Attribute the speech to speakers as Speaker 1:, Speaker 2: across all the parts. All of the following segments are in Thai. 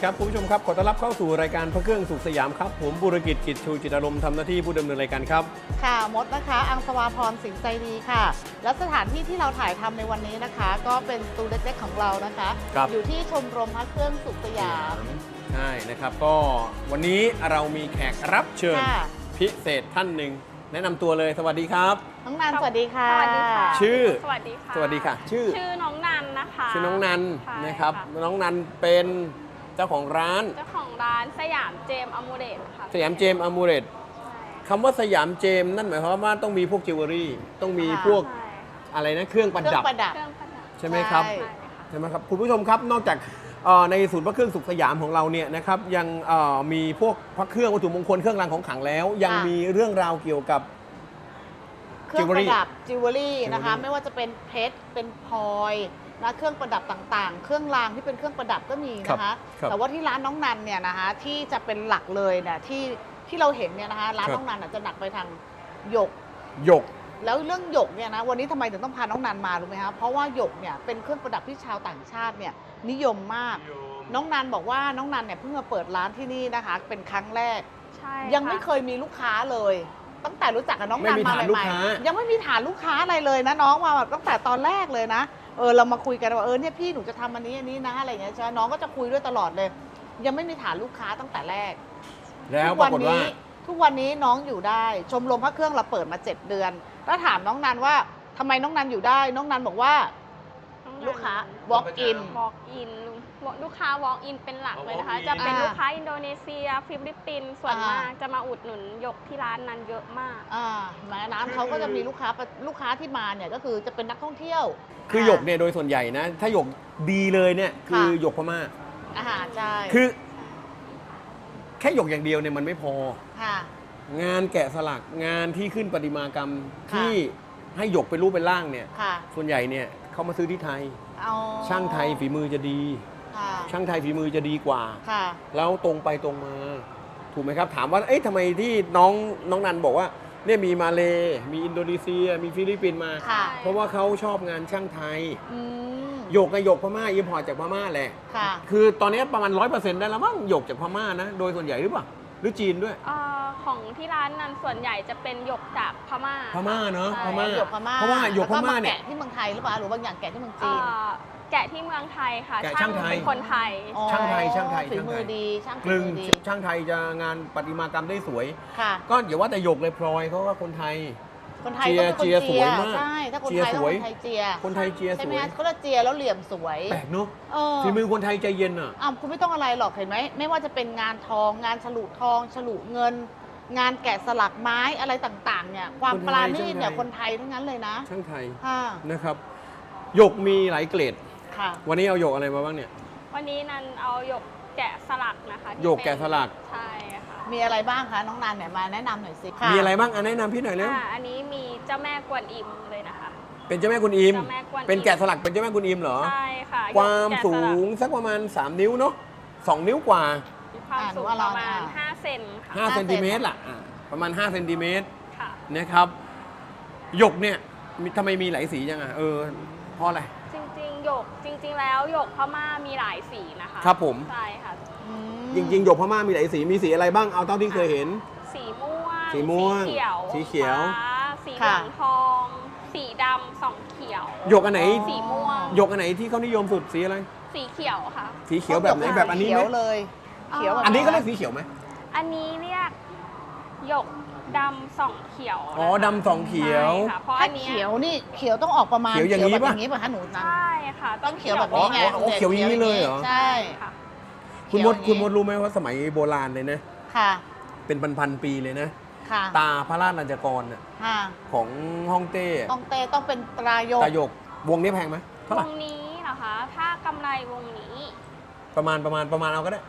Speaker 1: ครับคุณผู้ชมครับขอต้อนรับเข้าสู่รายการพระเครื่องสุขสยามครับผมบุรกิจกิจชูจิตอารมณ์ทำหน้าที่ผู้ดำเนินรายการครับ
Speaker 2: ค่ะมดนะคะอังสวาพรสิงห์ใจดีค่ะและสถานที่ที่เราถ่ายทำในวันนี้นะคะ ก็เป็นสตูเล็กๆของเรานะคะอยู่ที่ชมรมพระเครื่องสุขสยาม
Speaker 1: ใช่นะครับก็วันนี้เรามีแขกรับเชิญพิเศษท่านหนึ่งแนะนำตัวเลยสวัสดีครับ
Speaker 2: น้องนันสวัสดีค่ะ
Speaker 3: สวัสดีค่ะ
Speaker 1: ชื่อ
Speaker 3: สวัสดีค่ะ
Speaker 1: สวัสดีค่ะชื่อ
Speaker 3: น้องนันนะคะ
Speaker 1: ชื่อน้องนันนะครับน้องนันเป็นเจ้าของร้าน
Speaker 3: สยามเจมอมูเรตค่ะ
Speaker 1: สยามเจมอมูเรตคำว่าสยามเจมนั่นหมายความว่าต้องมีพวกจิวเวลรี่ต้องมีพวกอะไรนะเครื่องประดับใช่ไหมครับใช่ไหมครับคุณผู้ชมครับนอกจากในศูนย์พระเครื่องสุขสยามของเราเนี่ยนะครับยังมีพวกพระเครื่องวัตถุมงคลเครื่องรางของขลังแล้วยังมีเรื่องราวเกี่ยวกับ
Speaker 2: เครื่องประดับจิวเวลรี่นะคะไม่ว่าจะเป็นเพชรเป็นพลอยนะเครื่องประดับต่างๆเครื่องรางที่เป็นเครื่องประดับก็มีนะคะแต่ว่าที่ร้านน้องนันเนี่ยนะคะที่จะเป็นหลักเลยเนี่ยที่เราเห็นเนี่ยนะคะร้านน้องนันจะหนักไปทางหยกแล้วเรื่องหยกเนี่ยนะวันนี้ทำไมถึงต้องพาน้องนันมารู้ไหมคะเพราะว่าหยกเนี่ยเป็นเครื่องประดับที่ชาวต่างชาติเนี่ยนิยมมากน้องนันบอกว่าน้องนันเนี่ยเพิ่งมาเปิดร้านที่นี่นะคะเป็นครั้งแรกยังไม่เคยมีลูกค้าเลยตั้งแต่รู้จักกับน้องนันมาใหม่ๆยังไม่มีฐานลูกค้าอะไรเลยนะน้องมาแบบตั้งแต่ตอนแรกเลยนะเรามาคุยกันว่าเนี่ยพี่หนูจะทำอันนี้นะอะไรอย่างเงี้ยใช่ไหมน้องก็จะคุยด้วยตลอดเลยยังไม่มีฐานลูกค้าตั้งแต่แรก
Speaker 1: แล้วปรากฏว่า
Speaker 2: ทุกวันนี้น้องอยู่ได้ชมรมพระเครื่องเราเปิดมา7 เดือนถ้าถามน้องนันว่าทำไมน้องนันอยู่ได้น้องนันบอกว่าลูกค้า walk in
Speaker 3: ลูกค้า walk in เป็นหลักเลยนะคะจะเป็นลูกค้าอินโดนีเซียฟิลิปปินส์ส่วนมากจะมาอุดหนุนหยกที่ร้านนั้นเยอะมาก
Speaker 2: แม้ร้านเขาก็จะมีลูกค้าที่มาเนี่ยก็คือจะเป็นนักท่องเที่ยว
Speaker 1: คือหยกเนี่ยโดยส่วนใหญ่นะถ้าหยกดีเลยเนี่ยคือหยกพม่า
Speaker 2: ใช่
Speaker 1: คือแค่หยกอย่างเดียวเนี่ยมันไม่พอ งานแกะสลักงานที่ขึ้นประติมากรรมที่ให้หยกเป็นรูปเป็นร่างเนี่ยส่วนใหญ่เนี่ยเขามาซื้อที่ไทยช่างไทยฝีมือจะดีช่างไทยฝีมือจะดีกว่าแล้วตรงไปตรงมาถูกไหมครับถามว่าเอ๊ะทำไมที่น้องนันบอกว่าเนี่ยมีมาเลมีอินโดนีเซียมีฟิลิปปินส์มาเพราะว่าเขาชอบงานช่างไทยหยกกับหยกพม่าอิมพอร์ตจากพม่าแหละคือตอนนี้ประมาณ 100% ได้แล้วมั้งหยกจากพม่านะโดยส่วนใหญ่หรือเปล่าหรือจีนด้วย
Speaker 3: ของที่ร้านนั้นส่วนใหญ่จะเป็นหยกจากพม่า
Speaker 1: เนาะพม่า
Speaker 2: หยกพม่า
Speaker 1: เพราะว่าหยกพม่าเนี่ย
Speaker 2: แกะที่เมืองไทยหรือเปล่าหรือบางอย่างแกะที่เมืองจีน
Speaker 3: แกะที่เมืองไทยค่ะ
Speaker 1: ช่าง
Speaker 3: เป็นคนไทย
Speaker 1: ช่างไทย
Speaker 2: ฝีมือดีช่าง
Speaker 1: กลึงช่างไทยจะงานประติมากรรมได้สวยก็อย่าว่าแต่หยกเลยพลอยเขาว่าคนไทย
Speaker 2: เจีย
Speaker 1: สวยมาก
Speaker 2: ใช่ถ้าคนไทยต้องคนไทยเจีย
Speaker 1: ใช่ไหม
Speaker 2: เขาจะเจียแล้วเหลี่ยมสวย
Speaker 1: แปลกเนาะฝีมือคนไทยใจเย็นอ่ะ
Speaker 2: คุณไม่ต้องอะไรหรอกเห็นไหมไม่ว่าจะเป็นงานทองงานฉลุทองฉลุเงินงานแกะสลักไม้อะไรต่างๆเนี่ยความปราณีตเนี่ยคนไทยทั้งนั้นเลยนะ
Speaker 1: ช่างไทยนะครับหยกมีหลายเกรดวันนี้เอาหยกอะไรมาบ้างเนี่ย
Speaker 3: วันนี้นันเอาหยกแกะสลักนะคะ
Speaker 1: หยกแกะสลัก
Speaker 3: ใช่ค่ะ
Speaker 2: มีอะไรบ้างคะน้องนันเนี่ยมาแนะนำหน่อยสิ
Speaker 1: มีอะไรบ้างแนะนำพี่หน่อยเร็ว
Speaker 3: อันนี้มีเจ้าแม่กวนอิมเลยนะคะ
Speaker 1: เป็นเจ้าแม่กวนอิมเป็นแกะสลักเป็นเจ้าแม่กวนอิมเหรอ
Speaker 3: ใช่ค่ะ
Speaker 1: ความสูงสักประมาณ3 นิ้วเนาะ2 นิ้วกว่า
Speaker 3: ความสูงประมาณ5 เซน
Speaker 1: 5 เซนติเมตรล่ะประมาณ5 เซนติเมตรนะครับหยกเนี่ยทำไมมีหลายสีจังเพราะอะไร
Speaker 3: จริงแล้วหยกพม่ามีหลายสีนะคะ
Speaker 1: ครับผม
Speaker 3: ใช่ค่ะ
Speaker 1: จริงๆหยกพม่ามีหลายสีมีสีอะไรบ้างเอาเท่าที่เคยเห็น
Speaker 3: สีม่วง
Speaker 1: สีเขียว
Speaker 3: สีเหลืองทองสีดำ2 เขียว
Speaker 1: หยกอันไหน
Speaker 3: สีม่วง
Speaker 1: หยกอันไหนที่เขานิยมสุดสีอะไร
Speaker 3: สีเขียวค่ะ
Speaker 1: สีเขียวแบบไหนแบบอันนี้ไหม
Speaker 2: เลย
Speaker 1: เขียวอันนี้เขาเรียกสีเขียวไหม
Speaker 3: อันนี้เรียกหยกดำ2 เขียว
Speaker 1: ดำ2 เขียว
Speaker 3: เพราะอันนี้
Speaker 2: เขียวนี่เขียวต้องออกประมาณ
Speaker 1: เขียวอย่างนี้ป่ะ
Speaker 2: หนูนัน
Speaker 3: ใช่ค่ะ
Speaker 2: ต้องเขียวแบบนี้ไง
Speaker 1: เขียวอย่างนี้เลยเหรอ
Speaker 2: ใช่
Speaker 3: ค่ะ
Speaker 1: คุณมดรู้ไหมว่าสมัยโบราณเลยนะเป็นพันปีเลยนะตาพระราชลัญจกรของฮ่องเต้
Speaker 2: ต้องเป็นตราหยก
Speaker 1: วงนี้แพงไหม
Speaker 3: วงนี้เหรอคะถ้ากำไรวงนี้
Speaker 1: ประมาณเอาก็ได้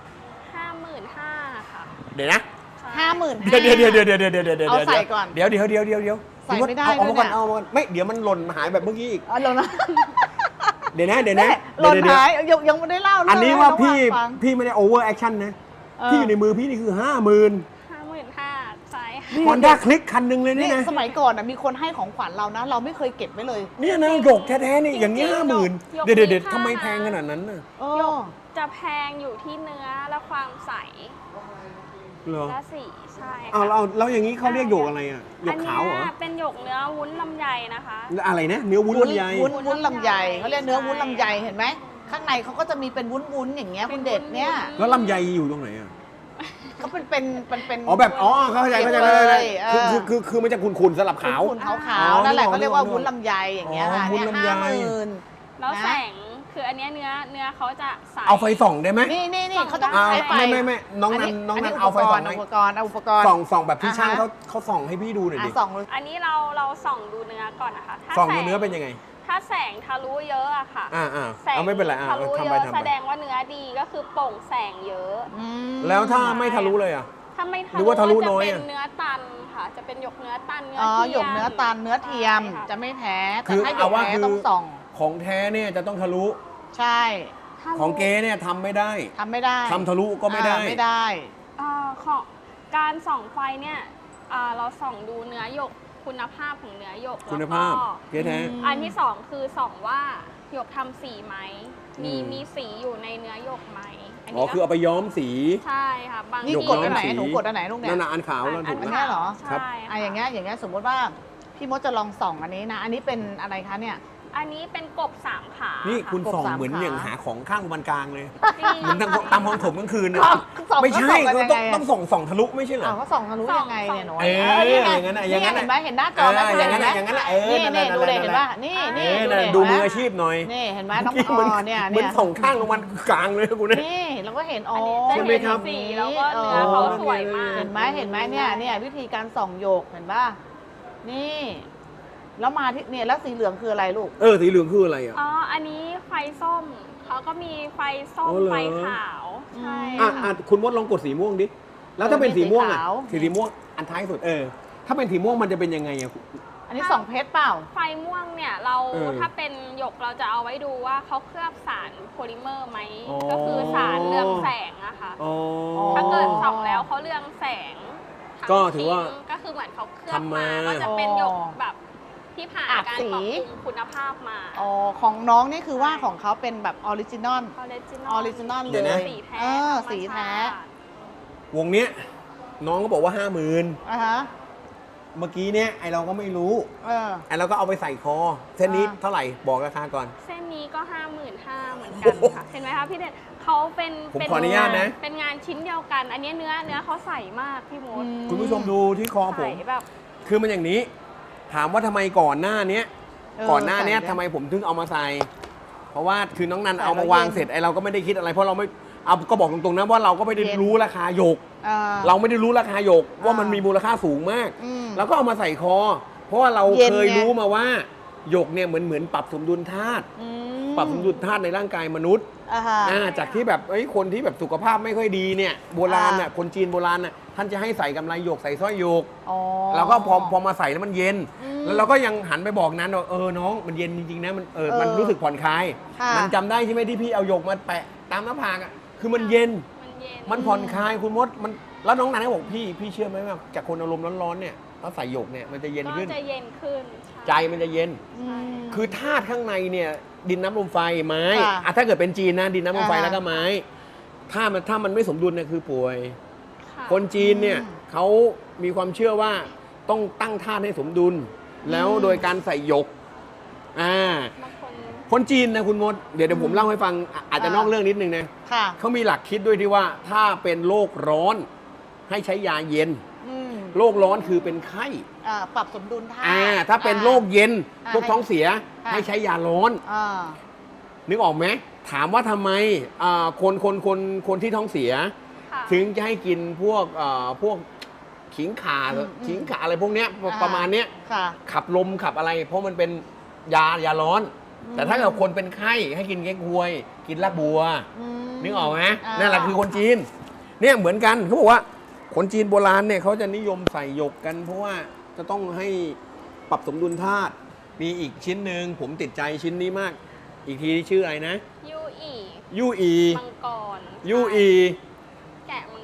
Speaker 3: 55,000ค่ะ
Speaker 1: เดี๋ยวนะ
Speaker 2: 50,000
Speaker 1: เดี๋ยว
Speaker 2: เอาใส่ก่อน
Speaker 1: เดี๋ยว
Speaker 2: ใส่ไม่ได้
Speaker 1: เอามาก่อนไม่เดี๋ยวมันหล่นหายแบบเมื่อกี้อีก
Speaker 2: หล่นนะ
Speaker 1: เดี๋ยวนะ
Speaker 2: หล่นหายยังไม่ได้เล่า
Speaker 1: อันนี้ว่าพี่ไม่ได้โอเวอร์แอคชั่นนะที่อยู่ในมือพี่นี่คือ55,000
Speaker 3: ใช่
Speaker 1: ฮอนด้าคลิกคันหนึ่งเลยนี่
Speaker 2: นี่
Speaker 1: นะ
Speaker 2: สมัยก่อนมีคนให้ของขวัญเรานะ เราไม่เคยเก็บไว้เลย
Speaker 1: เนี่ยนะหยกแท้ๆนี่อย่างนี้
Speaker 3: จริงๆ
Speaker 1: 50,000
Speaker 3: หยก
Speaker 1: เดี๋ยว
Speaker 3: มีค่า
Speaker 1: ทำไมแพงขนาดนั้นน่ะ
Speaker 2: เอ
Speaker 3: หย
Speaker 2: อก
Speaker 3: จะแพงอยู่ที่เนื้อและความใส
Speaker 1: เหรอ
Speaker 3: และสีใช่
Speaker 1: เอา
Speaker 3: ค่ะ
Speaker 1: เราอย่างนี้เขาเรียกหยกอะไรอ่ะหยกขาวเหรอ
Speaker 3: นนี้เป็นหยกเนื้อวุ้นลำไยนะคะ
Speaker 1: อะไรนะเนื้อวุ้นลำไย
Speaker 2: วุ้นลำไยเขาเรียกเนื้อวุ้นลำไยเห็นไหมข้างในเขาก็จะมีเป็นวุ้นอย่างเงี้ยคุณเด็ดเนี่ย
Speaker 1: แล้วลำไยอยู่ตรงไหนอ่ะ
Speaker 2: เขาเป็น
Speaker 1: อ๋อแบบอ๋อเข้าใจ
Speaker 2: เก็บ
Speaker 1: เลย
Speaker 2: เลยเออ
Speaker 1: คือมันจะขุ่นๆสลับขาว
Speaker 2: ขุ่นๆขาว
Speaker 1: อ๋อ
Speaker 2: ๆนั่นแหละ
Speaker 1: นึกออก
Speaker 2: เขาเรียกว่า
Speaker 1: นึกออก
Speaker 2: วุ้นลำไยอย่างเงี้ย
Speaker 1: อ๋อ
Speaker 2: ค่ะ
Speaker 1: วุ้น
Speaker 2: เนี่ย
Speaker 1: ลำไย
Speaker 2: 50,000
Speaker 3: แล้ว
Speaker 2: นะ
Speaker 3: แสงคืออันเนี้ยเนื้อเขาจะใส
Speaker 1: เอาไฟส่องได้ไหม
Speaker 2: นี่เขาต้อง
Speaker 1: อ่า
Speaker 2: ใช้ไฟ
Speaker 1: ไม่น้องนันเอาไฟส่องไหม
Speaker 2: อุปกรณ์
Speaker 1: ส่องแบบที่ช่างเขาส่องให้พี่ดูหน่อยดิ
Speaker 2: ส่อง
Speaker 3: อันนี้เราส่องดูเนื้อก่อนนะคะถ้า
Speaker 1: ส่อง
Speaker 3: แส
Speaker 1: ดูเนื้อเป็นยังไง
Speaker 3: ถ้าแสงทะลุเยอะอะค่ะ แสง
Speaker 1: เอาไม่เป็นไร
Speaker 3: ทะลุ
Speaker 1: ทำ
Speaker 3: เย
Speaker 1: ไป
Speaker 3: อะ
Speaker 1: ทำ
Speaker 3: แส
Speaker 1: ไป
Speaker 3: ดงว่าเนื้อดีก็คือโปร่งแสงเยอะ
Speaker 1: แล้วถ้าไม่ทะลุเลยอ่ะ
Speaker 3: ถ้าไม่ทะ
Speaker 1: หรือ
Speaker 3: ลุ
Speaker 1: ว่าทะลุ
Speaker 3: จะ
Speaker 1: น้อย
Speaker 3: เป็
Speaker 1: อะ
Speaker 3: นเนื้อตันค่ะ จะเป็นหยกเนื้อตันเนื้อ
Speaker 2: อ๋อ
Speaker 3: เทียม
Speaker 2: หยกเนื้อตันเนื้อเทียม
Speaker 3: ใช่ค่ะ
Speaker 2: จะไม่แท้
Speaker 1: คื
Speaker 2: แต่
Speaker 1: อ
Speaker 2: ถ้าหย
Speaker 1: เอา
Speaker 2: ก
Speaker 1: ว่า
Speaker 2: แท้
Speaker 1: คือ
Speaker 2: ต้องส่อง
Speaker 1: ของแท้เนี่ยจะต้องทะลุ
Speaker 2: ใช่
Speaker 3: ทะลุ
Speaker 1: ของเก๊เนี่ยทำไม่ได้
Speaker 2: ทำไม่ได้
Speaker 1: ทำทะลุก็ไม่ได้
Speaker 2: ไม่ได้
Speaker 3: ของการส่องไฟเนี่ยเราส่องดูเนื้อหยกคุณภาพของเนื้อหยก
Speaker 1: คุณภาพ
Speaker 3: แล้วก็
Speaker 1: เก๊แท้
Speaker 3: อันที่สองคือส่องว่าหยกทำสีไหม
Speaker 1: อืม
Speaker 3: มีสีอยู่ในเนื้อหยกไหม
Speaker 1: อ๋อคือเอาไปย้อมสี
Speaker 3: ใช่ค่ะบาง
Speaker 2: นี่
Speaker 1: หย
Speaker 2: กดอันไหน
Speaker 1: ย้มสี
Speaker 2: หนูกดอันไหนลูกเนี่ย
Speaker 1: นั่นน่ะอันขาวแล้วถูก
Speaker 2: อัน
Speaker 1: ไหม
Speaker 2: เนี้ยเหรอ
Speaker 1: ครับ
Speaker 3: ใช่
Speaker 2: อย่างเงี้ยสมมติว่าพี่มดจะลองส่องอันนี้นะ อันนี้เป็นอะไรคะเนี่ย
Speaker 3: อันนี้เป็นกบสามขา
Speaker 1: นี่คุณ
Speaker 2: กบ
Speaker 1: ส่อง
Speaker 2: สาม
Speaker 1: เหมือน
Speaker 2: ขา
Speaker 1: อย่างหาของข้างวันกลางเลย
Speaker 3: จริง
Speaker 1: เหมือนตามห้องถมกลางคืนน่ะ
Speaker 2: ส่อง
Speaker 1: ไม่ใช่
Speaker 2: ก็ส่องกันยังไง
Speaker 1: ต้องส่องทะลุไม่ใช่เหรอ
Speaker 2: อ้าวเขาส่องทะลุยังไงเนี่ยหนู
Speaker 1: เออ
Speaker 2: นี่ไง
Speaker 1: อย่างนั้นน่ะอย่างนั้นน่ะ
Speaker 2: เห็นไหมเห็นหน้าจอไหม
Speaker 1: อย่างนั้น
Speaker 2: เห็
Speaker 1: น่ะ
Speaker 2: ไหม
Speaker 1: อย่างนั้นน่ะ
Speaker 2: นี่
Speaker 1: นั่น
Speaker 2: ดูเลยเห็นป่ะนี่
Speaker 1: นั่นดูมืออาชีพหน่อย
Speaker 2: นี่เห็นไหมน้อง
Speaker 1: เมื่อกี้เหมือน
Speaker 2: เนี่ย
Speaker 1: เหมือนส่องข้างวันกลางเลยคุณเนี่ย
Speaker 2: นี่เราก็เห็นอ๋อ
Speaker 3: จะ
Speaker 1: ใช่ไหม
Speaker 3: เห็น
Speaker 1: ครับ
Speaker 3: สีแล้วก็เนื้อเขาสวยมาก
Speaker 2: เห็นไหมเนี่ยวิธีการส่องโยกเห็นป่ะนี่ แล้วมาที่เนี่ยแล้วสีเหลืองคืออะไรลูก
Speaker 1: สีเหลืองคืออะไรอ่ะ
Speaker 3: อ๋อ อันนี้ไฟส้ม เขาก็มีไฟส้ม
Speaker 1: อ๋อเหรอ
Speaker 3: ไฟขาว ใช่
Speaker 1: อ่ะคุณมดลองกดสีม่วงดิ แล้วถ้าเป็นสีม่วงอ่ะ
Speaker 2: สีขาว
Speaker 1: สีม่วงอันท้ายสุดถ้าเป็นสีม่วงมันจะเป็นยังไงอ่ะ
Speaker 2: อันนี้ส่องเพชรเปล่า
Speaker 3: ไฟม่วงเนี่ยเรา ถ้าเป็นหยกเราจะเอาไว้ดูว่าเขาเคลือบสารโพลิเมอร์ไหม
Speaker 1: อ๋อ
Speaker 3: ก็คือสารเรืองแสงอะค่ะ
Speaker 1: อ๋อ
Speaker 3: ถ้าเกิดส่องแล้วเขาเรืองแสงทั้ง
Speaker 1: ก็ถือว่า
Speaker 3: ชิ้นก็คือเหมือนเขาเคลือบ
Speaker 1: ทำมา
Speaker 3: ก็จะเป็นหยกแบบที่ผ่าน
Speaker 2: อาบ
Speaker 3: การ
Speaker 2: สี
Speaker 3: ปรับปรุงคุณภาพมา
Speaker 2: อ๋อของน้องนี่คือว่าของเขาเป็นแบบออริจินอล
Speaker 3: ออริจิน
Speaker 2: ออริจินอล
Speaker 1: เดี๋
Speaker 2: เลย
Speaker 1: วย นะ
Speaker 3: สีแท้
Speaker 2: สีแท้
Speaker 3: ธรรมชาติ
Speaker 1: วงเนี้ยน้องก็บอกว่า 50,000
Speaker 2: อ่ะฮะ
Speaker 1: เมื่อกี้เนี่ยไอเราก็ไม่รู้ ไอเราก็เอาไปใส่คอ เส้นนี้
Speaker 2: อ่า
Speaker 1: เท่าไหร่บอกราคาก่อน
Speaker 3: เส้นนี้ก็ 55,000เหมือนกันค่ะ เห็นไหมคะพี่เด่นเขาเป็น
Speaker 1: ผมขออนุญาตนะ
Speaker 3: เป็นงานชิ้นเดียวกัน อันนี้เนื้อเขาใสมากพี่มด
Speaker 1: คุณผู้ชมดูที่คอผ
Speaker 3: ใส
Speaker 1: ม
Speaker 3: แบบ
Speaker 1: คือมันอย่างนี้ ถามว่าทำไมก่อนหน้าเนี้ย ก่อนหน้าเนี้ย
Speaker 2: ใส่
Speaker 1: ทำไมผมถึงเอามาใส่ เพราะว่าคือน้องนัน
Speaker 2: ใส่
Speaker 1: เอามาวาง
Speaker 2: แล้วเย็น
Speaker 1: เสร็จไอเราก็ไม่ได้คิดอะไรเพราะเราไม่เอาก็บอกตรงๆนะว่าเราก็ไม่ได้
Speaker 2: เย็น
Speaker 1: รู้ราคาหยก
Speaker 2: อ่า
Speaker 1: เราไม่ได้รู้ราคาหยกว่ามัน
Speaker 2: อ่ามี
Speaker 1: มีมูลค่าสูงมาก
Speaker 2: อืม
Speaker 1: แล้วก็เอามาใส่คอ เพราะว่าเรา
Speaker 2: เย็น
Speaker 1: เคย
Speaker 2: ไง
Speaker 1: รู้มาว่าหยกเนี่ยเหมือนปรับสมดุลธาตุ
Speaker 2: อืม
Speaker 1: ปรับสมดุลธาตุในร่างกายมนุษย์
Speaker 2: อ่าฮะ
Speaker 1: จากที่แบบคนที่แบบสุขภาพไม่ค่อยดีเนี่ยโบราณน่ะ
Speaker 2: อ่า
Speaker 1: คนจีนโบราณน่ะท่านจะให้ใส่กำไรหยกใส่สร้อยหยก
Speaker 2: อ๋อ
Speaker 1: เราก็พอมาใส่แล้วมันเย็น
Speaker 2: อืม
Speaker 1: แล้วเราก็ยังหันไปบอกนั้นว่าน้องมันเย็นจริงๆนะมันรู้สึกผ่อนคลาย
Speaker 2: ค่ะ
Speaker 1: มันจำได้ใช่ไหมที่พี่เอาหยกมาแปะตามหน้าผากอ่ะคือมันเย็น
Speaker 3: มันเย็น
Speaker 1: มันผ่อนคลายคุณมดมันแล้วน้องนันก็บอกพี่เชื่อไหมว่าจากคนอารมณ์ร้อนๆเนี่ยถ้าใส่หยกเนี่ยมันจะเย็น
Speaker 3: ก็
Speaker 1: ขึ้น
Speaker 3: จะเย็นขึ้น
Speaker 1: ใจมันจะเย็น
Speaker 2: อืม
Speaker 1: คือธาตุข้างในเนี่ยดินน้ำลมไฟไม้
Speaker 2: ค่ะ
Speaker 1: ถ้าเกิดเป็นจีนนะดินน้ำลมไฟ
Speaker 2: อ่าฮะ
Speaker 1: แล้วก็ไม้ถ้ามันไม่สมดุลเนี่ยคือป่วย
Speaker 3: ค่ะ
Speaker 1: คนจีนเนี่ย
Speaker 2: อืม
Speaker 1: เขามีความเชื่อว่าต้องตั้งธาตุให้สมดุล แล้วโดยการใส่หยก
Speaker 3: บางคน
Speaker 1: คนจีนนะคุณมดเดี๋ยวผมเล่าให้ฟังอาจจะนอกเรื่องนิดนึงนะ
Speaker 2: ค่ะ
Speaker 1: เขามีหลักคิดด้วยที่ว่าถ้าเป็นโรคร้อนให้ใช้ยาเย็น
Speaker 2: อืม
Speaker 1: โรคร้อนคือเป็นไข้
Speaker 2: ปรับสมดุลธาตุ
Speaker 1: ถ้าเป็นโรคเย็น
Speaker 2: อ่า
Speaker 1: พวกท้องเสีย
Speaker 2: ค่ะ
Speaker 1: ให้ใช้ยาร้อน
Speaker 2: อ่า
Speaker 1: นึกออกไหมถามว่าทำไมคนที่ท้องเสีย
Speaker 3: ค่ะ
Speaker 1: ถึงจะให้กินพวกขิงข่า
Speaker 2: อืม
Speaker 1: ขิงข่าอะไรพวกเนี้ยประมาณเนี้ย
Speaker 2: ค่ะ
Speaker 1: ขับลมขับอะไร เพราะมันเป็นยาร้อน แต่ถ้าเกิดคนเป็นไข้ให้กินแก้ควย กินรากบัว นึกออกไหมนั่นแหละคือคนจีนเนี่ยเหมือนกันเขาบอกว่าคนจีนโบราณเนี่ยเขาจะนิยมใส่หยกกัน เพราะว่าจะต้องให้ปรับสมดุลธาตุมีอีกชิ้นหนึ่งผมติดใจชิ้นนี้มาก อีกทีชื่ออะไรนะ
Speaker 3: ยูอี
Speaker 1: ยูอี
Speaker 3: มังกร
Speaker 1: ยูอี
Speaker 3: แกะมังกร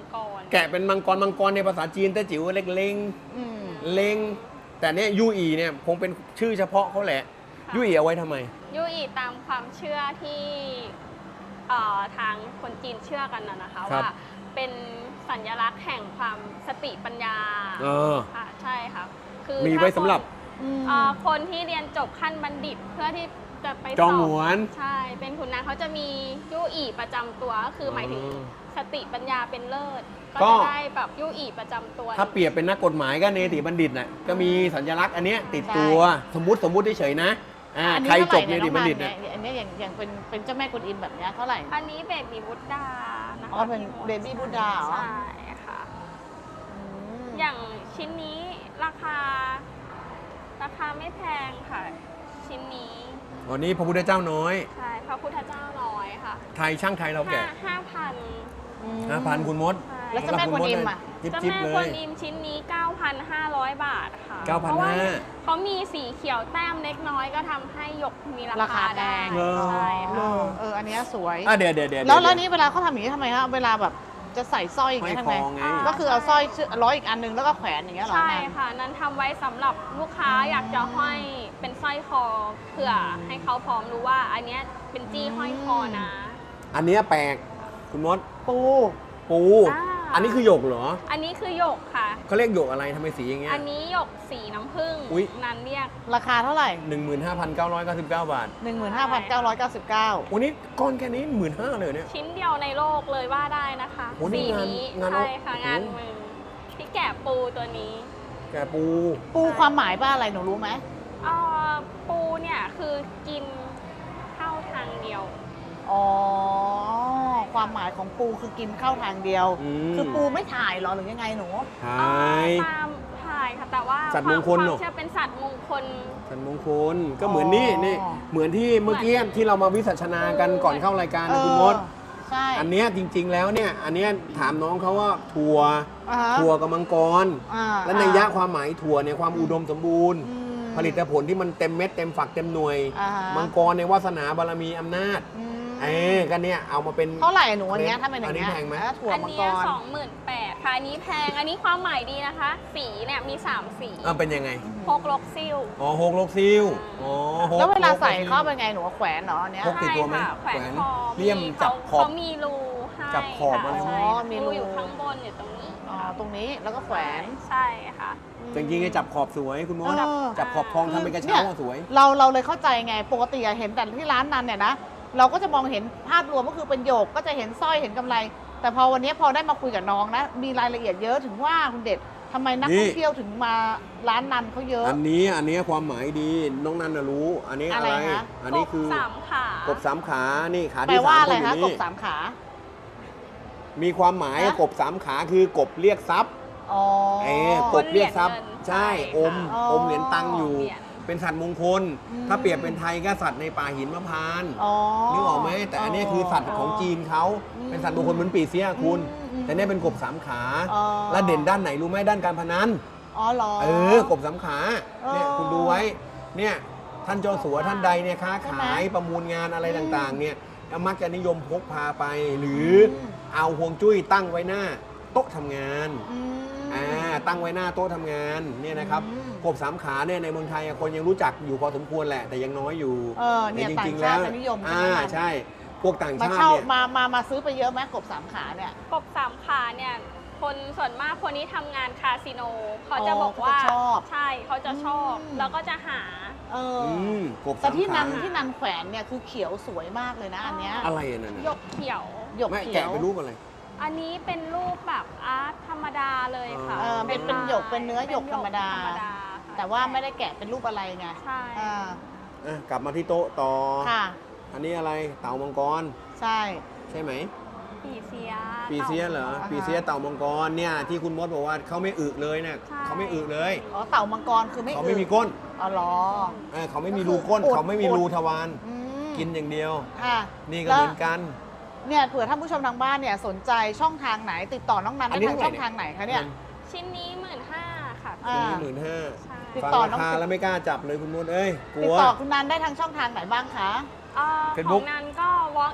Speaker 1: แกะเป็นมังกรในภาษาจีนแต่จิ๋วเล็กเล้ง
Speaker 2: อืม
Speaker 1: เล้งแต่เนี่ยยูอีเนี่ยคงเป็นชื่อเฉพาะเขาแหละยูอีเอาไว้ทำไม
Speaker 3: ยูอีตามความเชื่อที่ทางคนจีนเชื่อกันนะคะ
Speaker 1: ครับ
Speaker 3: ว่าเป็นสัญลักษณ์แห่งความสติปัญญา ค่ะใช่ค่ะคือ
Speaker 1: มีไว้สำหรับ
Speaker 3: คนที่เรียนจบขั้นบัณฑิตเพื่อที่จะไป
Speaker 1: จอง
Speaker 3: สบ
Speaker 1: หวน
Speaker 3: ใช่เป็นขุนนางเขาจะมียู่อีประจำตัวก็คือหมายถึงสติปัญญาเป็นเลิศ
Speaker 1: ก็
Speaker 3: ก็จะได้แบบยู่อีประจำตัว
Speaker 1: ถ้าเปรียบเป็นนักกฎหมายก็เนติบัณฑิตน่ะก็มีสัญลักษณ์อันเนี้ยติดตัวสมมุติเฉยๆนะ
Speaker 2: อันนี้
Speaker 1: ใครจบเน
Speaker 2: เท่าไห
Speaker 1: ติบัณฑิต
Speaker 2: เนี่
Speaker 1: เนี่ย ย
Speaker 2: อันนี้อย่างเป็นเจ้าแม่กวนอิมแบบเนี้ยเท่าไหร่
Speaker 3: อันนี้เบบีบุตดานะคะ
Speaker 2: อ๋อเป็น Baby Buddha เหรอ
Speaker 3: ใช่ค่ะ อย่างชิ้นนี้ราคาไม่แพงค่ะ ชิ้นนี้
Speaker 1: วันนี้พระพุทธเจ้าน้อย
Speaker 3: ใช่พระพุทธเจ้าน้อยค่ะ
Speaker 1: ไทยช่างไทยเราแกะ
Speaker 3: 5,000
Speaker 1: 5,000คุณมด
Speaker 2: แล้วเจ้าแม่กวนอิมอ่ะ
Speaker 1: จิ๊บ
Speaker 3: เจ้า
Speaker 1: จิ๊บ
Speaker 3: แม่
Speaker 1: เล
Speaker 3: กวน
Speaker 1: ย
Speaker 3: อิมชิ้นนี้ 9,500 บาทค่ะ
Speaker 1: 9,500
Speaker 3: เพราะว่าเขามีสีเขียวแต้มเล็กน้อยก็ทำให้หยกมีรา
Speaker 2: ราคา
Speaker 3: คา
Speaker 2: แพ
Speaker 3: ได้
Speaker 2: ง
Speaker 3: ใช่ค่ะ
Speaker 2: อันเนี้ยสวย
Speaker 1: เดี๋ยว
Speaker 2: แล้วนี้เวลาเขาทำอย่างนี้ทำไมฮะเวลาแบบจะใส่สร้อยอย่างเงี้ย
Speaker 1: ห้
Speaker 2: ทำ
Speaker 1: อย
Speaker 2: ไง
Speaker 1: คอไง
Speaker 2: ก็คือเอาสร้อยร้อยอีกอันนึงแล้วก็แขวนอย่างเงี้ยเหรอ
Speaker 3: ใช่
Speaker 2: แม่
Speaker 3: ค่ะ นั้นทำไว้สำหรับลูกค้าอยากจะห้อยเป็นสร้อยคอเผื่อให้เขาพร้อมรู้ว่าอันเนี้ยเป็นจี้ห้อยคอนะ
Speaker 1: อันเนี้ยแปลกคุณมด
Speaker 2: ปู
Speaker 1: ปู อันนี้คือหยกเหรอ
Speaker 3: อันนี้คือหยกค่ะ
Speaker 1: เขาเรียกหยกอะไรทำไมสีอย่างเงี้ย
Speaker 3: อันนี้หยกสีน้ำผึ้ง
Speaker 1: อุ๊ย
Speaker 3: นั้นเรียก
Speaker 2: ราคาเท่าไหร่
Speaker 1: 15,999 บาท
Speaker 2: 15,999
Speaker 1: วันนี้ก้อนแค่นี้15,000เลยเนี่ย
Speaker 3: ชิ้นเดียวในโลกเลยว่าได้นะคะ
Speaker 1: โอ้นี่
Speaker 3: สีนี้
Speaker 1: งาน
Speaker 3: ใช่ค่ะ
Speaker 1: โอ้
Speaker 3: งานมือที่แกะปูตัวนี้
Speaker 1: แกะปู
Speaker 2: ปูความหมายว่าอะไรหนูรู้ไหม
Speaker 3: ปูเนี่ยคือกินเข้าทางเดียว
Speaker 2: อ๋อ ความหมายของปูคือกินเข้าทางเดียว คือปูไม่ถ่ายเหรอหรือยังไงหนู
Speaker 1: ถ่าย
Speaker 3: ตามถ่ายค่ะแต่ว่า
Speaker 1: สัตว์มงคล
Speaker 3: วา
Speaker 1: เหรอ
Speaker 3: มเชื่อเป็นสัตว์มงคล
Speaker 1: สันมงคลก็เหมือนนี่
Speaker 2: อ๋อ
Speaker 1: นี่เหมือนที่เมื่อกี้ที่เรามาวิสัชนากันก่อนเข้ารายการนะคุณมด
Speaker 2: ใช่
Speaker 1: อันเนี้ยจริง ๆ แล้วเนี่ย อันเนี้ยถามน้องเขาว่าถั่ว
Speaker 2: อ่าฮะ
Speaker 1: ถั่วกับมังกร
Speaker 2: อ่า
Speaker 1: และในยยะความหมายถั่วเนี่ยความอุดมสมบูรณ์
Speaker 2: อืม
Speaker 1: ผลิตผลที่มันเต็มเม็ดเต็มฝักเต็มหน่วย
Speaker 2: อ่าฮะ
Speaker 1: มังกรในวาสนาบารมีอำนาจ
Speaker 2: อืม
Speaker 1: ก็เนี่ยเอามาเป็น
Speaker 2: เท่าไหร่หนูอันเนี้ยถ้าเป็นอย่างเงี้ย
Speaker 1: อันนี้แพงไหม
Speaker 2: ถั่ว
Speaker 3: อัน
Speaker 2: มัง
Speaker 3: เนี้
Speaker 2: ก
Speaker 3: ย
Speaker 2: ร
Speaker 3: 28,000ค่ะอันนี้แพงอันนี้ความหมายดีนะคะ สีเนี่ยมี3สี
Speaker 1: เป็นยังไง
Speaker 3: พกลกซิ่ว
Speaker 1: อ๋อหกลกซิลอ๋อหก
Speaker 2: แล้วเวลาใส่
Speaker 1: กซิ่
Speaker 2: เข้าไปไงหนูแขวนเนาะอันเนี้ย
Speaker 1: พกติดตัวไหม
Speaker 3: ใช่ค่ะแขวนคอ
Speaker 1: เลี่ยมจับขอบ
Speaker 3: เขามีรูให้
Speaker 1: จับขอบ
Speaker 3: ค่ะ
Speaker 1: อะไร
Speaker 3: ใช่
Speaker 2: อ๋อมีรู
Speaker 3: อยู่ข้างบนอยู่ตรงนี้
Speaker 2: อ๋อตรงนี้แล้วก็แขวน
Speaker 3: ใช่ค่ะ
Speaker 1: จริงๆไอ้จับขอบสวยคุณมด
Speaker 2: เออ
Speaker 1: จับขอบทองทำเป็นกระ
Speaker 2: เนี่
Speaker 1: เช้าย อะสวย
Speaker 2: เราเลยเข้าใจไงปกติอะเห็นแต่ที่ร้านนั้นเนี่ยนะเราก็จะมองเห็นภาพรวมก็คือเป็นโยกก็จะเห็นสร้อยเห็นกำไร แต่พอวันนี้พอได้มาคุยกับน้องนะ มีรายละเอียดเยอะถึงว่าคุณเด็ดทำไมนักท่องเที่ยวถึงมาร้านนันเขาเยอะ
Speaker 1: อันนี้ความหมายดีน้องนันน่ะรู้ อันนี้อะไร
Speaker 2: อะไรคะ
Speaker 1: อันนี้คือก
Speaker 3: บสามขา
Speaker 1: กบสามขานี่ขา
Speaker 2: แปล
Speaker 1: ที่
Speaker 2: ว่า
Speaker 1: สาม
Speaker 2: อะไร
Speaker 1: คนอยู่
Speaker 2: คะก
Speaker 1: นี่
Speaker 2: บสามขา
Speaker 1: มีความหมาย
Speaker 2: ฮะ
Speaker 1: กบสามขาคือกบเรียกทรัพย์
Speaker 2: อ๋อก
Speaker 1: บเรียกทรัพย์ใช่อม
Speaker 2: อ๋อ
Speaker 1: อมเหรียญตังค์อยู่
Speaker 3: เหรียญ
Speaker 1: เป็นสัตว์มงคล
Speaker 2: อืม
Speaker 1: ถ้าเปรียบเป็นไทยก็สัตว์ในป่าหินมะพร้านต์
Speaker 2: อ๋อ
Speaker 1: นึกออกไหมแต่อันนี้คือสัตว์ของจีนเขา
Speaker 2: อืม
Speaker 1: เป็นสัตว์มงคลเหมือนปีเสียคุณ
Speaker 2: อืม
Speaker 1: แต่เนี่ยเป็นกบสามขา
Speaker 2: อ๋อ
Speaker 1: แล้วเด่นด้านไหนรู้ไหมด้านการพนัน
Speaker 2: อ๋อเหรอ
Speaker 1: กบสามขาเนี่ย
Speaker 2: อ๋อ
Speaker 1: คุณดูไว้เนี่ยท่านเจ้าสัวท่านใดเนี่ยค้า
Speaker 2: ใช่ไหม
Speaker 1: ขายประมูลงานอะไร
Speaker 2: อืม
Speaker 1: ต่างๆเนี่ยมักจะนิยมพกพาไป หรืออ
Speaker 2: ม
Speaker 1: เอาห่วงจุ้ยตั้งไว้หน้าโต๊ะทำงาน
Speaker 2: อืม
Speaker 1: ตั้งไว้หน้าโต๊ะทำงานเนี่ยนะครับ
Speaker 2: อืม
Speaker 1: กบสามขาเนี่ยในเมืองไทยคนยังรู้จักอยู่พอสมควรแหละ แต่ยังน้อยอยู่
Speaker 2: เนี่ย
Speaker 1: แต่
Speaker 2: ต่าง
Speaker 1: ๆ
Speaker 2: ชาติจะนิยมใช่ไหม
Speaker 1: ใช่ พวกต่าง
Speaker 2: มา
Speaker 1: ชาติ
Speaker 2: เช่า
Speaker 1: เนี่ย
Speaker 2: มาซื้อไปเยอะไหมกบสามขาเนี่ย
Speaker 3: กบสามขาเนี่ยคนส่วนมากคนที่ทำงานคาสิโนเขาจะ
Speaker 2: อ๋อ
Speaker 3: บอกว่า
Speaker 2: เขาจะชอบ
Speaker 3: ใช่เขาจะชอบ
Speaker 2: อืม
Speaker 3: แล้วก็จะหา
Speaker 2: เออ
Speaker 1: กบ
Speaker 2: แต่
Speaker 1: สาม
Speaker 2: ที่
Speaker 1: ขา
Speaker 2: นันแขวนเนี่ยคือเขียวสวยมากเลยนะอันเนี้ย
Speaker 1: อะไรอันนั้น
Speaker 3: หย
Speaker 1: น่ะ
Speaker 3: กเขียว
Speaker 2: หยก
Speaker 1: แม่
Speaker 2: เขีย
Speaker 1: แกะ
Speaker 2: ว
Speaker 1: เป็นรูปอะไร
Speaker 3: อันนี้เป็นรูปแบบอาร์ตธรรมดาเลยค่ะ
Speaker 2: เป็นหยกเป็นเนื้อหยกธรรมดา
Speaker 3: ค่ะ
Speaker 2: แต่ว่าไม่ได้แกะเป็นรูปอะไรไง
Speaker 3: ใช่
Speaker 2: อ่า
Speaker 1: กลับมาที่โต๊ะต่อ
Speaker 2: ค่ะ
Speaker 1: อันนี้อะไรเต่ามังกร
Speaker 2: ใช่
Speaker 1: ใช่ไหม
Speaker 3: ปีเสีย
Speaker 1: ปีเสียเหรอ
Speaker 2: อ่าฮะ
Speaker 1: ปีเสียเต่ามังกรเนี่ยที่คุณมดบอกว่าเขาไม่อึเลยเนี่ย
Speaker 3: ใช่
Speaker 1: เขาไม่อึเลย
Speaker 2: อ๋อเต่ามังกรคือไม่
Speaker 1: เขาไม่มีก้น
Speaker 2: อ๋อเหรอ
Speaker 1: เขาไม่มีรูก้น
Speaker 2: ก็คือ
Speaker 1: เขาไม่มีรูทวาร
Speaker 2: อืม
Speaker 1: กินอย่างเดียว
Speaker 2: ค่ะ
Speaker 1: นี่ก็
Speaker 2: แล้ว
Speaker 1: เหมือนกัน
Speaker 2: เนี่ยเผื่อท่านผู้ชมทางบ้านเนี่ยสนใจช่องทางไหนติดต่อน้องนัน
Speaker 1: อัน
Speaker 2: ได้
Speaker 1: นี้
Speaker 2: ทาง
Speaker 1: เท่าไหร่
Speaker 2: ช่องทางไหนคะเนี่ย
Speaker 3: ชิ้นนี้15,000ค่ะ
Speaker 2: อ่า
Speaker 1: ชิ้นนี้15,000
Speaker 3: ใช่
Speaker 2: ติด
Speaker 1: ฟัง
Speaker 2: ต่อ
Speaker 1: รา
Speaker 2: น้อง
Speaker 1: คาแล้วไม่กล้าจับเลยคุณมดเอ้ยก
Speaker 2: ติ
Speaker 1: ลั
Speaker 2: ด
Speaker 1: ว
Speaker 2: ต่อคุณนันได้ทางช่องทางไหนบ้างคะ
Speaker 3: ขอ
Speaker 1: Facebook
Speaker 3: งนั้นก็ walk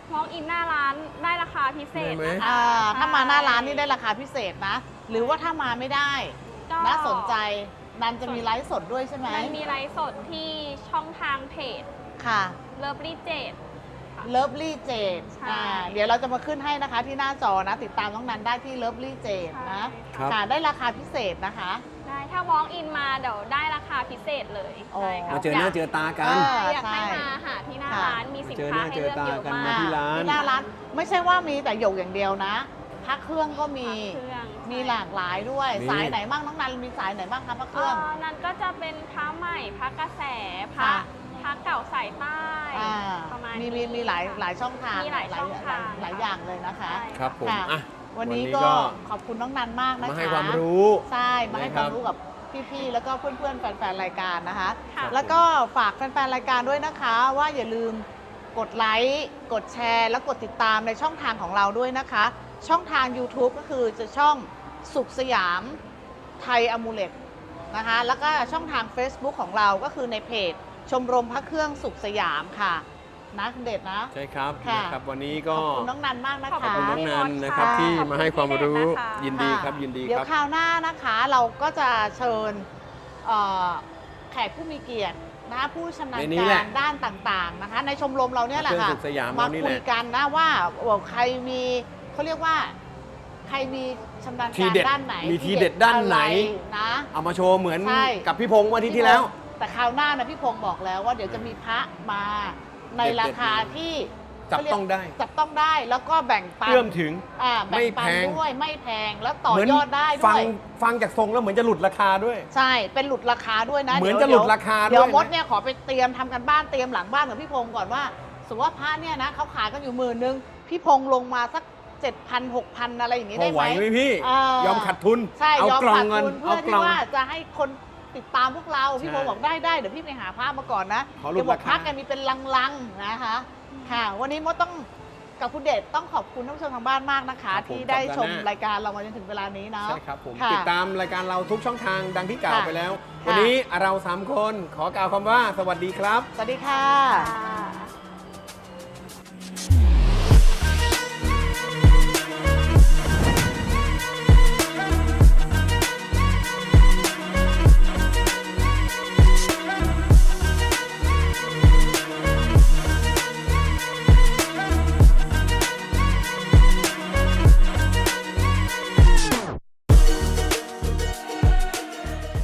Speaker 3: walk in หน้าร้านได้ราคาพิเศษ
Speaker 1: ได้ไหม
Speaker 3: นะคะ
Speaker 2: ถ้ามาหน้าร้านนี่ได้ราคาพิเศษนะ หรือว่าถ้ามาไม่ได้
Speaker 3: ก็
Speaker 2: น่าสนใจนันจะมีไลฟ์สดด้วยใช่ไหม
Speaker 3: มันมีไลฟ์สดที่ช่องทางเพจ
Speaker 2: ค่ะ
Speaker 3: Lovely Jade
Speaker 2: เลิฟลี่เจด
Speaker 3: ใช่
Speaker 2: เดี๋ยวเราจะมาขึ้นให้นะคะที่หน้าจอนะ ติดตามน้องนันได้ที่เลิฟลี่เจดนะ
Speaker 1: ครับ
Speaker 2: ค่ะได้ราคาพิเศษนะคะ
Speaker 3: ได้ถ้า walk in มาเดี๋ยวได้ราคาพิเศษเลย
Speaker 2: อ๋อ
Speaker 3: ใช่ค่ะ
Speaker 1: มาเจอหน้าเจอตากัน
Speaker 3: อยากให้
Speaker 2: ใช่
Speaker 3: มาหาที่หน้า
Speaker 2: ค่ะ
Speaker 3: ร้านมีสิน
Speaker 1: เจอห
Speaker 3: ค้า
Speaker 1: น้า
Speaker 3: ให้
Speaker 1: เจอ
Speaker 3: เลือก
Speaker 1: ตา
Speaker 3: เยอะ
Speaker 1: กัน
Speaker 3: มาก
Speaker 1: ที่ร้าน
Speaker 2: ที่หน้าร้านไม่ใช่ว่ามีแต่หยกอย่างเดียวนะพักเครื่องก็มี
Speaker 3: เครื่อง
Speaker 2: มีหลากหลายด้วย
Speaker 1: มี
Speaker 2: สายไหนบ้างน้องนันมีสายไหนบ้างคะพักเครื่อง
Speaker 3: นั่นก็จะเป็นพระใหม่พระกระแสพระ
Speaker 2: ค่ะ
Speaker 3: พระเก่าสายใต้
Speaker 2: อ่า
Speaker 3: ประมาณ
Speaker 2: มี
Speaker 3: นี้
Speaker 2: มีหลายหลายช่องทาง
Speaker 3: มีหลายช่องทาง
Speaker 2: หลายอย่างเลยนะคะ
Speaker 3: ใช่
Speaker 1: ครับผม
Speaker 2: ค่ะ
Speaker 1: อ่ะ
Speaker 2: วันนี้ก็ขอบคุณน้องนันมากนะคะ
Speaker 1: มาให้ความรู้
Speaker 2: ใช่มาให้
Speaker 1: นะ
Speaker 2: ค
Speaker 1: ครับ
Speaker 2: วามรู้กับพี่ๆแล้วก็เพื่อนๆแฟนๆรายการนะคะ
Speaker 3: ค่ะ
Speaker 2: แล้วก็ฝากแฟนๆรายการด้วยนะคะว่าอย่าลืมกดไลค์กดแชร์แล้วกดติดตามในช่องทางของเราด้วยนะคะ ช่องทาง YouTube ก็คือจะช่องสุขสยามไทยอมูเลตนะคะแล้วก็ช่องทาง Facebook ของเราก็คือในเพจชมรมพระเครื่องสุขสยามค่ะนะคุณเดชนะ
Speaker 1: ใช่ครับ
Speaker 2: ค่ะ
Speaker 1: นะครับ วันนี้
Speaker 2: ข
Speaker 1: ก็
Speaker 2: อบคุณน้องนันมากนะ
Speaker 3: ขอบ
Speaker 2: คะ
Speaker 1: ขอบคุณน้องนันนะครับ
Speaker 3: ค่ะ
Speaker 1: ที่
Speaker 3: ขอบคุณ
Speaker 1: มาให้ความรู้
Speaker 3: พี่เดชนะคะ
Speaker 1: ยินดีครับยินดี
Speaker 2: เดี๋ย
Speaker 1: คว รับ
Speaker 2: คราวหน้านะคะเราก็จะเชิญเอ่อแขกผู้มีเกียรตินะคะผู้ชำนาญ
Speaker 1: ในนี้แห
Speaker 2: กา
Speaker 1: ละ
Speaker 2: รด้านต่างๆนะคะ ในชมรมเราเนี่ยแหละค่ะ
Speaker 1: เครื่องสุขสยาม
Speaker 2: มา
Speaker 1: เรานี่
Speaker 2: คุ
Speaker 1: แห
Speaker 2: ย
Speaker 1: ละ
Speaker 2: กันนะว่าใครมีเขาเรียกว่า ใครมีชำนาญ
Speaker 1: ที
Speaker 2: การ
Speaker 1: เด็ด
Speaker 2: ด้านไหน
Speaker 1: มีทีเด็ดด้านไหน
Speaker 2: อะไรนะ
Speaker 1: เอามาโชว์เหมือน
Speaker 2: ใช่
Speaker 1: กับพี่พงษ์วันอาที่ที่แล้ว
Speaker 2: แต่คราวหน้านะพี่พงศ์บอกแล้วว่าเดี๋ยวจะมีพระมาใน
Speaker 1: เด็ดๆ
Speaker 2: ราคาที่
Speaker 1: จับต้องได้
Speaker 2: จับต้องได้แล้วก็แบ่งปัน
Speaker 1: เอื้อมถึง
Speaker 2: แบ่งปัน
Speaker 1: ไม่แพง
Speaker 2: ด้วยไม่แพงแล้วต่อ
Speaker 1: เหมือน
Speaker 2: ยอดได้ด้
Speaker 1: ฟั
Speaker 2: วย
Speaker 1: ฟังจากทรงแล้วเหมือนจะหลุดราคาด้วย
Speaker 2: ใช่ เป็นหลุดราคาด้วยนะ
Speaker 1: เหมือน
Speaker 2: ดี๋ยว
Speaker 1: จะหลุดราคาด้วย
Speaker 2: เดี๋ยวมด
Speaker 1: นะ
Speaker 2: เนี่ยขอไปเตรียมทำกันบ้านเตรียมหลังบ้านกับพี่พงศ์ก่อนว่าสมมติว่าพระเนี่ยนะเขาขายกันอยู่10,000พี่พงศ์ลงมาสัก 7,000 6,000 อะไรอย่างนี้
Speaker 1: พ
Speaker 2: ได้
Speaker 1: อ
Speaker 2: ไห
Speaker 1: ไห
Speaker 2: ม
Speaker 1: วไหมพี่
Speaker 2: ย
Speaker 1: อมขัดทุน
Speaker 2: ใช่
Speaker 1: เอา
Speaker 2: ยอม
Speaker 1: กล่อง
Speaker 2: ขาด
Speaker 1: เงิน
Speaker 2: ทุน
Speaker 1: เอา
Speaker 2: เพื่อก ที่
Speaker 1: ล่อง
Speaker 2: ว่าจะให้คนติดตามพวกเราพี่
Speaker 1: ใช่
Speaker 2: พงศ์บอกได้เดี๋ยวพี่ไปหาพระมาก่อนนะ
Speaker 1: ขอลด
Speaker 2: เดี๋ยวบอก
Speaker 1: รา
Speaker 2: พ
Speaker 1: คา
Speaker 2: ระกันมีเป็นลังๆนะคะ ค่ะ วันนี้มดต้องกับคุณเดชต้องขอบคุณท่านผู้ชมทางบ้านมากนะคะ ที่ได้ชมรายการเรามาจนถึงเวลานี้เนาะ
Speaker 1: ใช่ครับผม
Speaker 2: ค่ะ
Speaker 1: ติดตามรายการเราทุกช่องทางดังที่กล่าว
Speaker 2: ค่ะ
Speaker 1: ไปแล้ว
Speaker 2: ค่ะ
Speaker 1: วันนี้เรา 3 คนขอกล่าวคำว่าสวัสดีครับ
Speaker 2: สวัสดีค่ะ
Speaker 3: ค่ะ